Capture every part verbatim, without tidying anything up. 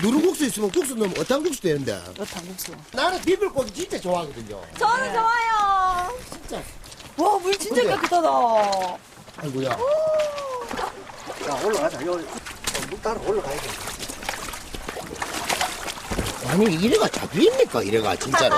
누룽국수 있으면 국수 넣으면 어탕국수 되는데. 어탕국수. 나는 비빔고기 진짜 좋아하거든요. 저는 네. 좋아요. 진짜. 와, 물 진짜 근데- 깨끗하다. 아이고야. 자, 올라가자. 요, 물 따라 올라가야 돼. 아니, 이래가 잡힙니까? 이래가, 진짜로.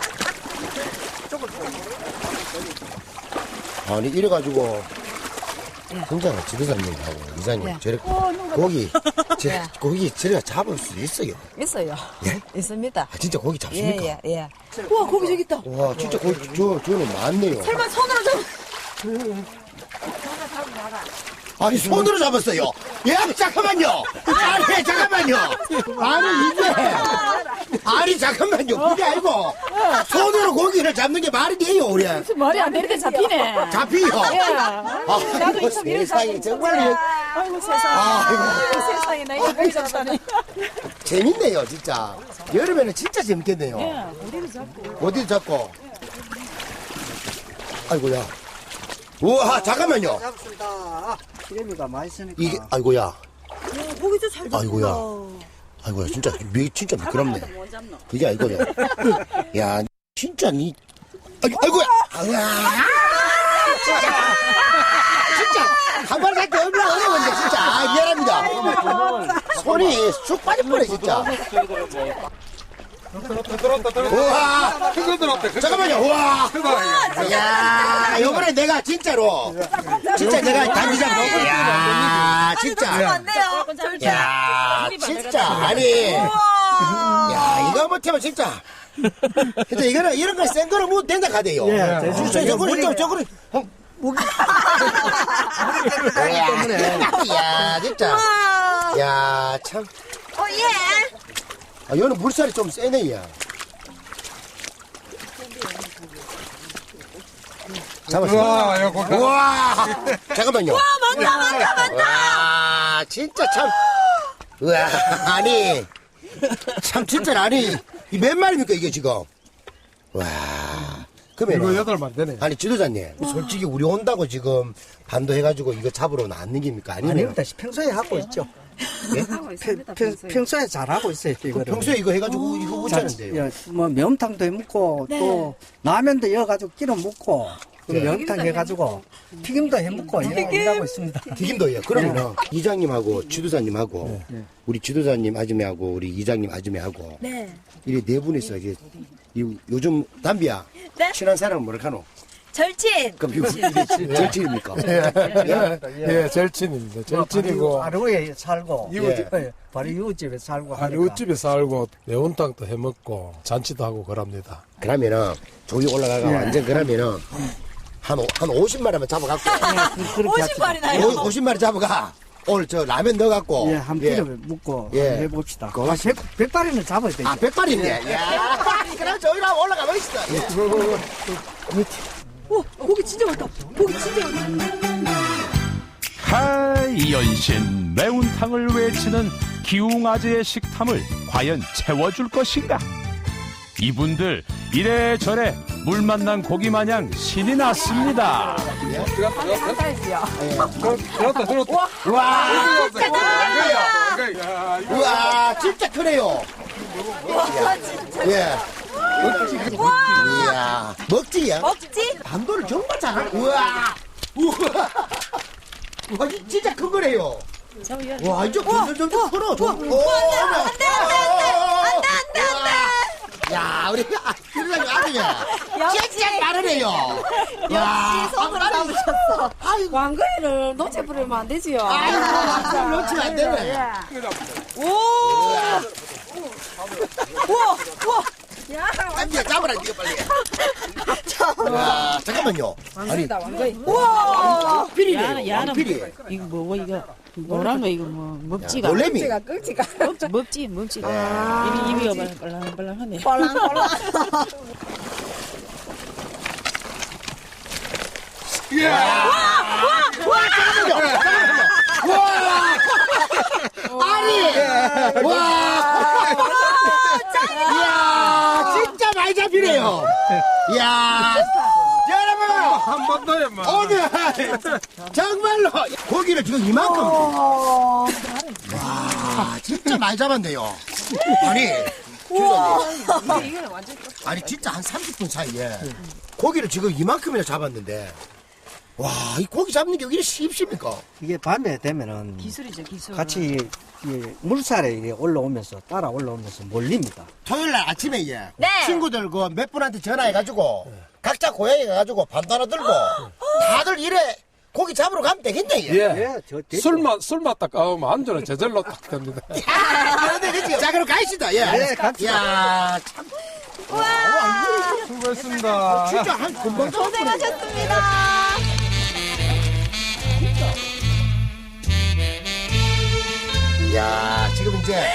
아니, 이래가지고. 진짜 지도사님하고 이사님, 예. 저래, 어, 누가- 고기, 저, 예. 고기 저래가 잡을 수 있어요. 있어요. 예? 있습니다. 아, 진짜 고기 잡습니까? 예, 예, 예. 우와, 고기 저기 있다. 와, 진짜 고기, 저, 저는 많네요. 설마 손으로 잡 아니, 손으로 잡았어요. 예, 잠깐만요. 아니, 잠깐만요. 아니, 이게. 아니, 잠깐만요. 그게 아니고. 손으로 고기를 잡는 게 말이 돼요, 우리. 말이 안 되는데 잡히네. 잡히요. 예. 아, 나도 이거 참 이런 세상에, 사람 정말. 아이고, 세상에. 아이고. 아이고, 세상에. 나 이거 고기 잡다니. 재밌네요, 진짜. 여름에는 진짜 재밌겠네요. 예, 어디를 잡고. 어디 잡고? 아이고야. 우와, 잠깐만요. 잡습니다. 기름이가 맛있으니까. 이게, 아이고야. 고기 좀 잘 아이고야. 아이고야, 진짜, 미, 진짜 미끄럽네. 그게 아니거든. 야, 진짜 니. 아이고, 아이고야. 아이고야. 진짜. 진짜. 한 마리 잡기 얼마나 어려운데, 진짜. 아, 미안합니다. 손이 쑥 빠질 뻔해, 진짜. 우와. 잠깐만요, 우와. 야, 요번에 내가 진짜로. 진짜 내가 단지 잡기. 야, 진짜. 안 돼요. 야, 진짜. 아니. 야, 이거 못하면 진짜. 진짜 이거는, 이런 거 센 거는 뭐 된다 가대요. 예, 진짜 저거는 좀, 저거는. 야, 진짜. 야, 참. 어, 예. 아, 얘는 물살이 좀 세네, 야. 잡았어. 우와, 야, 고기. 우와! 잠깐만요. 맞다, 맞다, 맞다. 와, 진짜 참. 우와, 아니. 참, 진짜, 아니. 이 몇 마리입니까, 이게 지금? 와. 이거 그러면. 여덟 마리 되네. 아니, 지도자님. 솔직히 우리 온다고 지금 반도해가지고 이거 잡으러 나왔는 겁니까? 아니면. 아닙니다. 평소에 하고 있죠. 평, 평, 평소에 잘하고 있어요, 그 이거를. 평소에 이거 해가지고 이거 못 자, 자는데요. 예, 뭐, 매운탕도 해 먹고, 또, 라면도 이어가지고 끼려 먹고, 그 네. 매운탕 해가지고, 튀김도 해 먹고, 이러- 일하고 있습니다. 튀김도 해요. 그러면은 이장님하고 지도자님하고 우리 지도자님 아줌매하고 우리 이장님 아줌매하고 네. 이래 네 분이서 이게 이- 요즘 담비야 네? 친한 사람은 뭐라 하노? 절친. 그럼 이거 이게 절친입니까? 예, 절친입니다. 절친이고, 바로에 살고, 이웃집. 예, 바로 이웃집에 살고. 하니까. 이웃집에 살고, 매운탕도 해 먹고, 잔치도 하고 그럽니다. 그러면은 저기 올라가가 예. 완전 그러면은 한, 오- 한 오십 마리만 잡아갖고 그렇게 오십 마리나요? 오- 오십 마리 잡아가 오늘 저 라면 넣어갖고 예, 한 끼를 묵고 예. 한번 해봅시다. 그거 아, 백, 백발이는 잡아야 되죠. 아 백발인데 야 그럼 저기로 올라가 보시다. 오, 고기 진짜 많다. 고기 진짜 많다. 하이연신 매운탕을 외치는 기웅아재의 식탐을 과연 채워줄 것인가? 이분들 이래저래 물 만난 고기 마냥 신이 났습니다. 들었다, 들었다. 우와 야, 이거 우와 진짜 크네요. 예. 이야 먹지야. 먹지? 반도를 정말 잘하. 우와 우와 와 이 진짜 큰 거래요. 와 이제 점점 점점 커요. 좀. 오, 안돼, 안돼, 안돼, 안돼, 안돼. 야 우리 김사님 아들이야. 역시. 진짜 빠르네요. 역시 손으로 잡으셨어. 아이고 왕거리를 놓쳐버리면 안 되지요. 아이고 손 놓치면 안 되네. 오! 우와! 우와! 땀비야 잡으라 니가 빨리. 와 잠깐만요. 아니 우와! 왕필이네요. 왕필이. 이거 뭐, 이거. 뭐라면 이거 뭐, 먹지가. 놀래미. 먹지, 먹지, 먹지가. 입이, 입이가 빨랑빨랑하네. 아니 와. 이야 진짜 많이 잡히네요. 이야 여러분 한 번 더 해봐. 오늘 정말로 고기를 지금 이만큼 와 진짜 많이 잡았네요. 아니, 주사님. 이게 완전 아니, 진짜 한 삼십 분 사이에 고기를 지금 이만큼이나 잡았는데, 와, 이 고기 잡는 게 이렇게 쉽습니까? 이게 밤에 되면은 기술이죠, 기술. 같이 이 물살에 이게 올라오면서 따라 올라오면서 몰립니다. 토요일 날 아침에 예. 네. 친구들 그 몇 분한테 전화해가지고 각자 고향에 가가지고 반도 들고 다들 이래 고기 잡으러 가면 되겠네. 예. 예. 예, 저 되죠. 술만, 술만 딱 까우면 안주는 저절로 딱 됩니다. 그런데 그치? 자, 그럼 가시다. 예. 네, 갑시다. 야, 참. 수고했습니다. 진짜 한 금방 잡았네. 고생하셨습니다. 야, 지금 이제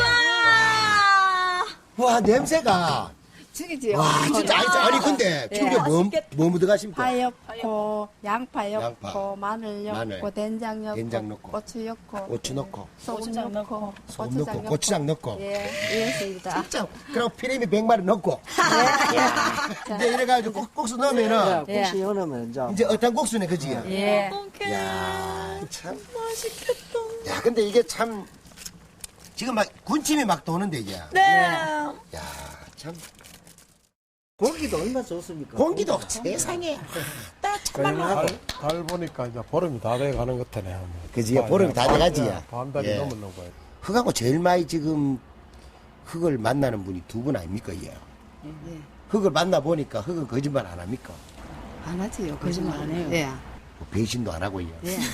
우와. 와 냄새가 죽이지요. 와 진짜 아니, 아니 근데 지금 이게 뭐, 뭐 묻어가십니까? 파 넣고 양파 양파, 넣고 마늘 넣고 마늘, 된장 넣고 된장 넣고, 고추 넣고 고추 넣고 소금 고추장 넣고 넣고, 소금 넣고 고추장 넣고 예 이렇습니다. 진짜 그럼 피레미 백 마리 넣고 이제 이래가지고 국- 국수 넣으면은 예, 국수 넣으면 이제 이제 어떤 국수네 그지? 예. 야, 참 맛있겠다. 야, 근데 이게 참 지금 막 군침이 막 도는데 이게. 네. 야, 참 고기도 얼마나 좋습니까? 공기도 세상에. 달, 달 보니까 이제 보름이 다 돼 가는 것 같네. 그지? 보름이 다 돼가지. 반 달이 예. 넘었는 거예요. 흙하고 제일 많이 지금 흙을 만나는 분이 두 분 아닙니까, 얘? 흙을 만나 보니까 흙은 거짓말 안 합니까? 안 하지요. 거짓말 안 해요. 예. 뭐 배신도 안 하고, 얘.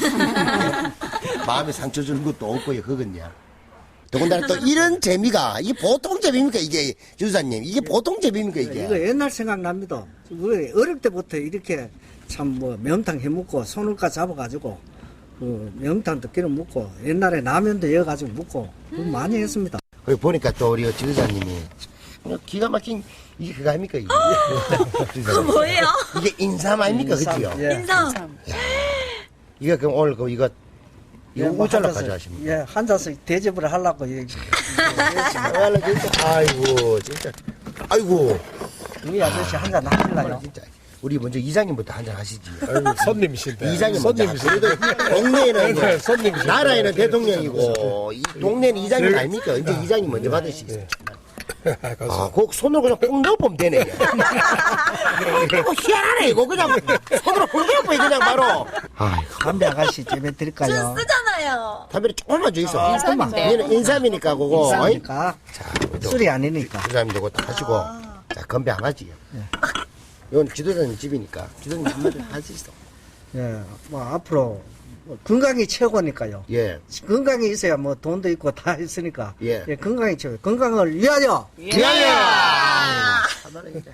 마음에 상처 주는 것도 없고, 얘 흙은요. 더군다나 또 이런 재미가, 이게 보통 재미입니까, 이게, 주사님? 이게 보통 재미입니까, 이게? 이거 옛날 생각납니다. 우리 어릴 때부터 이렇게 참 뭐 매운탕 해먹고 손을까 잡아가지고 그 매운탕도 끼려 먹고 옛날에 라면도 여가지고 먹고 그거 많이 했습니다. 거기 보니까 또 우리 지도자님이 기가 막힌 이게 그거 아닙니까 이게? 그거 뭐예요? 이게 인삼 아닙니까 그지요? 예. 인상. 이거 그럼 오늘 그 이거 이거 뭐 우짤로 한 잔씩, 가져가십니까? 예, 한 잔씩 대접을 하려고 예, 정말로 진짜 아이고 진짜 아이고 우리 아저씨 한 잔 하실래요? 진짜 우리 먼저 이장님부터 한잔 하시지. 아이고, 손님이신데. 이장님 먼저 손님이신데. 그래도 동네에는 네, 이제 손님이신데. 나라에는 대통령이고 이 동네는 이장님 아닙니까? 이제 이장님 먼저 받으시겠어요. 아, 그 손으로 그냥 꼭 넣어보면 되네. 이거 희한하네, 이거 그냥 손으로 꼭 넣어보면 그냥 바로. 아이고, 담배 아가씨 집에 드릴까요? 쓰잖아요. 담배를 조금만 줘 있어. 인삼인데. 얘는 인삼이니까, 그거. 싸니까 자, 술이 아니니까. 지도자님도 그거 다 하시고. 자, 건배 안 하지요. 이건 지도자님 집이니까. 지도자님 한마디 할 수 있어. 예, 뭐 앞으로 뭐 건강이 최고니까요. 예. 건강이 있어야 뭐 돈도 있고 다 있으니까. 예. 건강이 최고. 건강을 위하여. 미안해! 하나는 이제.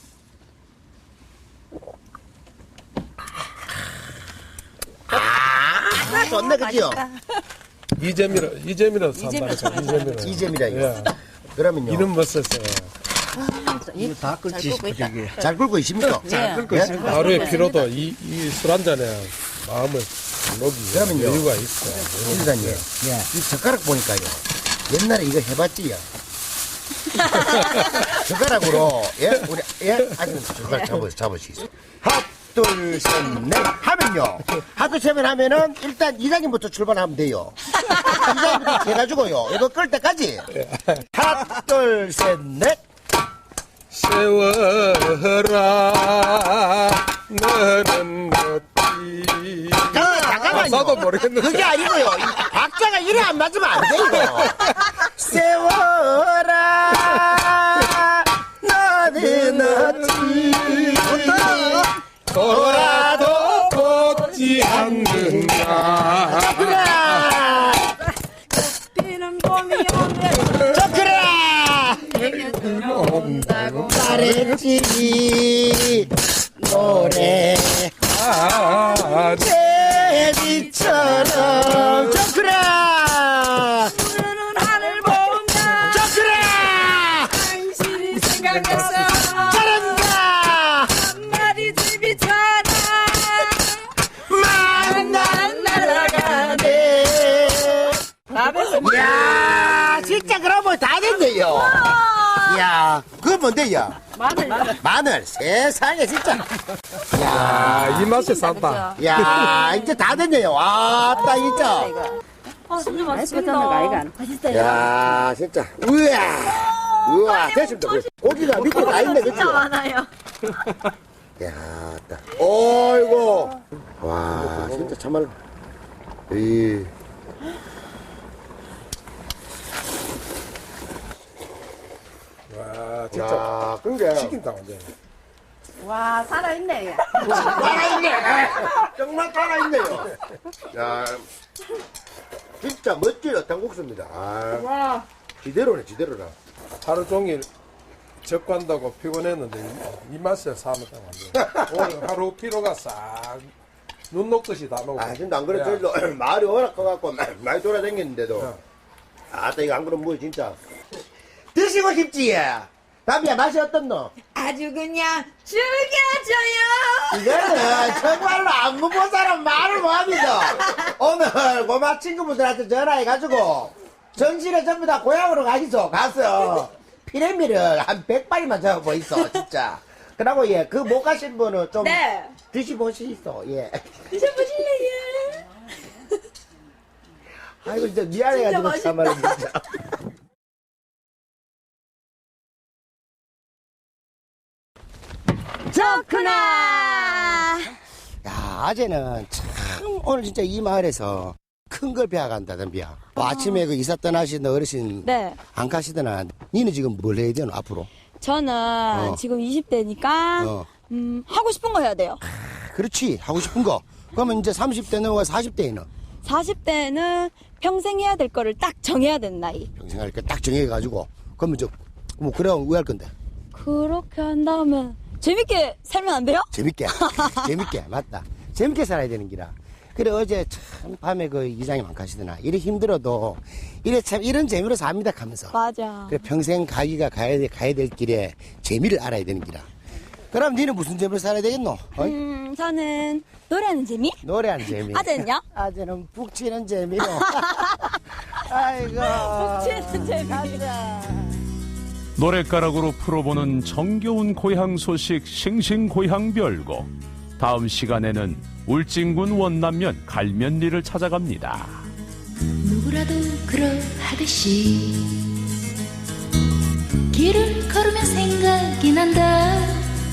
아, 좋네, 그지요? 이재미로, 이재미로 산다니까, 이재미로. 이재미라, 이거. 예. 그러면요. 이름 못 썼어. 이거 다 끓지 싶어, 이게. 잘 끓고 있습니까? 잘 끓고 예? 있습니다. 하루의 피로도 이, 이 술 한 잔에 마음을 녹이 그러면요. 여유가 있어. 지도자님. 예. 이 젓가락 보니까요. 옛날에 이거 해봤지요? 젓가락으로, 예? 우리, 예? 아주 젓가락 잡아, 잡을 수 있어. 하나, 둘, 셋, 넷. 하면요. 하나, 둘, 셋 하면은 일단 이장님부터 출발하면 돼요. 이장님부터 해가지고요. 이거 끌 때까지. 하나, 둘, 셋, 넷. 세워라, 너는 어찌. 잠깐만, 잠깐만요. 가사도 모르겠는데. 그게 아니고요. 이 박자가 이래 안 맞으면 안 돼요. 세워라, 너는 어찌. 돌아도 걷지 않는다. 그래! 피는 봄이 오면 저 그래! 온다고 말했지, 노래. 아, 제비처럼. 저 그래! 푸르른 하늘 보면 저 그래! 당신이 생각났어. 잘한다! 한마디 집이잖아. 만난 날아가네. 이야, 진짜 그러면 다 됐네요. 이야, 그거 뭔데요? 마늘 마늘. 세상에, 진짜. 아, 이 맛에 산다. 야, 이제 다 됐네요. 와, 딱 진짜. 어, 진짜 맛있겠다, 아이가. 맛있어요. 야, 진짜. 우와. 우와, 됐습니다. 고기가 밑에 다 있네, 그치? 진짜 많아요. 야, 딱. 어이구. 와, 진짜 참말로. 이. 와, 진짜 야, 그게. 치킨당 완전. 와, 살아있네. 살아있네. 정말 살아있네요. 야, 진짜 멋진 어탕국수입니다. 아, 와. 지대로네, 지대로라. 하루 종일 적관다고 피곤했는데 이, 이 맛에 사먹다 완전. 오늘 하루 피로가 싹 눈 녹듯이 다 녹아. 아, 진짜 안 그래, 저희도 마을이 워낙 커갖고 많이 돌아다녔는데도. 아, 또 이거 안 그러면 뭐, 진짜. 드시고 싶지, 예. 담비야, 맛이 어떻노? 아주 그냥 죽여줘요. 이거는 정말로 안 먹은 사람 말을 못합니다. 오늘 고마 친구분들한테 전화해가지고 전실에 전부 다 고향으로 가시죠. 가서 피레미를 한 백 발이만 적어 있어, 진짜. 그러고 예, 그 못 가신 분은 좀 네. 드시보시소. 예. 드셔보실래요? 아이고 진짜 미안해가지고 진짜 참말로 진짜. 좋구나. 야, 아재는 참 오늘 진짜 이 마을에서 큰 걸 배워간다, 덤비야. 뭐 아침에 그 이사 떠나시던 어르신 네. 안 가시더나. 니는 지금 뭘 해야 되노, 앞으로? 저는 어. 지금 이십 대니까 어. 음, 하고 싶은 거 해야 돼요. 그렇지, 하고 싶은 거. 그러면 이제 삼십 대 넘어가 사십 대에는 사십 대는 평생 해야 될 거를 딱 정해야 되는 나이. 평생 할 거 딱 정해가지고 그러면 저 뭐 그래 왜 할 건데? 그렇게 한다면 재밌게 살면 안 돼요? 재밌게, 재밌게, 맞다. 재밌게 살아야 되는 기라. 그래 어제 참 밤에 그 이장님 안 가시더나. 이래 힘들어도 이래 참 이런 재미로 삽니다 하면서. 맞아. 그래 평생 가기가 가야 돼 가야 될 길에 재미를 알아야 되는 기라. 그럼 니는 무슨 재미로 살아야 되겠노? 어? 음, 저는 노래하는 재미? 노래하는 재미. 아재는요? 아재는 북 치는 재미로. 아이고. 치는 재미. 노랫가락으로 풀어보는 정겨운 고향 소식 싱싱고향별고. 다음 시간에는 울진군 원남면 갈면리를 찾아갑니다. 누구라도 그러하듯이 길을 걸으면 생각이 난다.